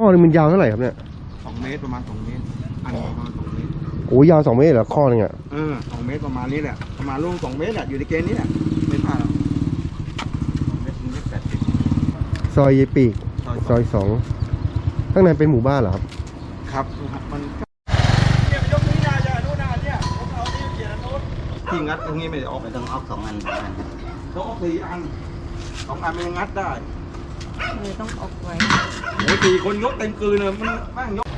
นึงมันยาวเท่าไหร่ครับเนี่ย 2 เมตรประมาณ2 เมตรอันนี้ประมาณ2 เมตรโอ้ยาว2 เมตรเหรอข้อนึงอ่ะ 2 เมตรประมาณนี้แหละประมาณลูก2 เมตรอ่ะอยู่ในเกณฑ์นี้แหละไม่พลาดหรอก2 เมตร80 ซอยยายปีกซอย2ข้างในเป็นหมู่บ้านเหรอครับครับมันเนี่ยยกนี้นาจะนู่นนาเนี่ยผมเอาที่เขียนโน้ตที่งัดตรงนี้ไม่ได้ออกไม่ต้องออก2 อันต้องออก4 อัน2 อันมันงัดได้เลยต้องออกไว้โอ้4 คนยกเต็มคืนเลยมันแม่งยก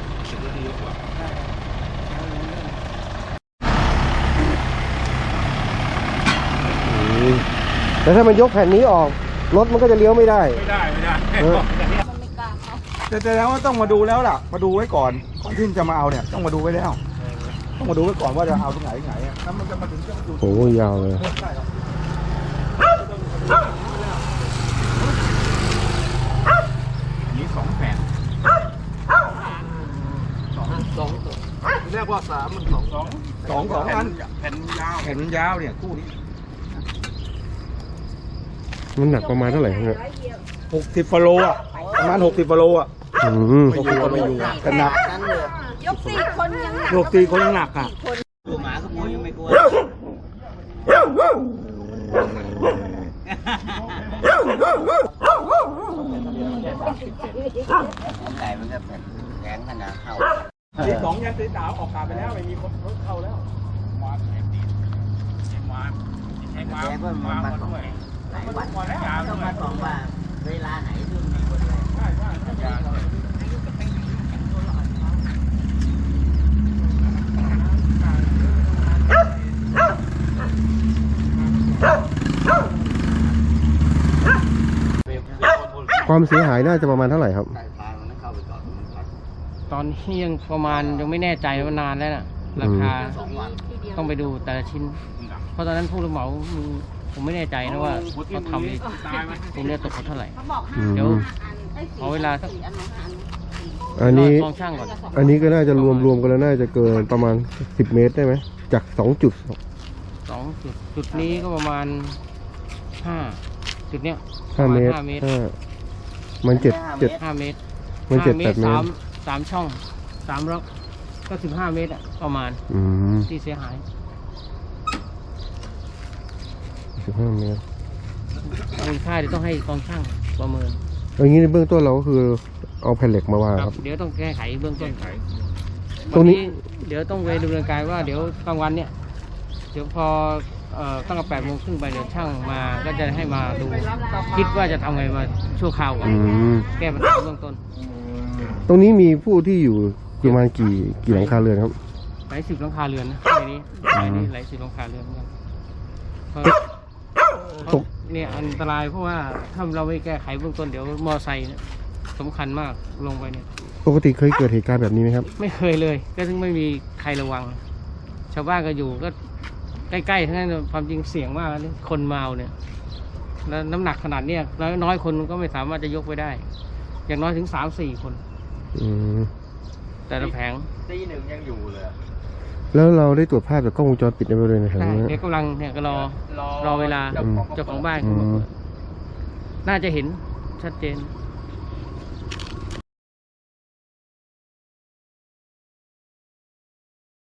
แต่ถ้ามันยกแผ่นนี้ออกรถมันก็จะเลี้ยวไม่ได้ไม่ได้มันไม่กล้าเขาแต่แล้วว่าต้องมาดูแล้วล่ะมาดูไว้ก่อนที่จะมาเอาเนี่ยต้องมาดูไว้แล้วต้องมาดูไว้ก่อนว่าจะเอาตรงไหนแล้วมันจะมาถึงจะมาดูโอ้ยาวเลยนี่2 แผ่นเรียกว่า3มัน2 อันแผ่นยาวเนี่ยคู่นี้มันหนักประมาณเท่าไหร่ครับ 60 ฟโลอ่ะประมาณ60 ฟโลอ่ะ60 ฟโลอยู่แต่หนักยก4 คนยังหนัก 4 คนยังหนักอ่ะตัวหมาก็กลัวยังไม่กลัวไก่มันก็แข็งขนาดเข้าตี2ยันตี3ออกกาไปแล้วไม่มีคนเข้าแล้วมาแข่งมาด้วยหลายวันต้องมาบอกว่าเวลาไหนที่มีคนเลยความเสียหายน่าจะประมาณเท่าไหร่ครับตอนนี้ยังประมาณยังไม่แน่ใจว่านานแล้วน่ะราคาต้องไปดูแต่ละชิ้นเพราะตอนนั้นผู้รับเหมาผมไม่แน่ใจนะว่าเขาทำตรงนี้ตกเท่าไหร่เดี๋ยวขอเวลาสักอันนี้ลองช่างก่อนอันนี้ก็น่าจะรวมกันแล้วน่าจะเกินประมาณ10 เมตรได้ไหมจาก2 จุดจุดนี้ก็ประมาณ5 จุดเนี้ย 5 เมตรมัน7 5 เมตรมัน7-8 เมตร 3 ช่อง3 ล็อกก็15 เมตรอ่ะประมาณที่เสียหาย 15 เมตรค่าเดี๋ยวต้องให้กองช่างประเมินอย่างนี้ในเบื้องต้นเราก็คือเอาแผ่นเหล็กมาวางครับเดี๋ยวต้องแก้ไขเบื้องต้นตรงนี้เดี๋ยวต้องไปดำเนินการว่าเดี๋ยวกลางวันเนี่ยเดี๋ยวพอตั้งแต่8 โมงครึ่งไปเดี๋ยวช่างมาก็จะให้มาดูคิดว่าจะทำไงมาชั่วคราวก่อนแก้ปัญหาเบื้องต้นตรงนี้มีผู้ที่อยู่ประมาณกี่หลังคาเรือนครับหลาย10 หลังคาเรือนนะในนี้หลาย10 หลังคาเรือนเหมือนกันเนี่ยอันตรายเพราะว่าถ้าเราไม่แก้ไขเบื้องต้นเดี๋ยวมอไซค์สำคัญมากลงไปเนี่ยปกติเคยเกิดเหตุการณ์แบบนี้ไหมครับไม่เคยเลยก็ถึงไม่มีใครระวังชาวบ้านก็อยู่ก็ใกล้ๆทั้งนั้นความจริงเสี่ยงมากนี่คนเมาเนี่ยแล้วน้ำหนักขนาดเนี้ยน้อยคนก็ไม่สามารถจะยกไปได้อย่างน้อยถึง3-4 คนแต่ละแผงตี 1ยังอยู่เลยแล้วเราได้ตรวจภาพจากกล้องวงจรปิดในบริเวณไหนครับเดี๋ยวกำลังเนี่ยก็รอเวลาเจ้าของบ้านเขาน่าจะเห็นชัดเจน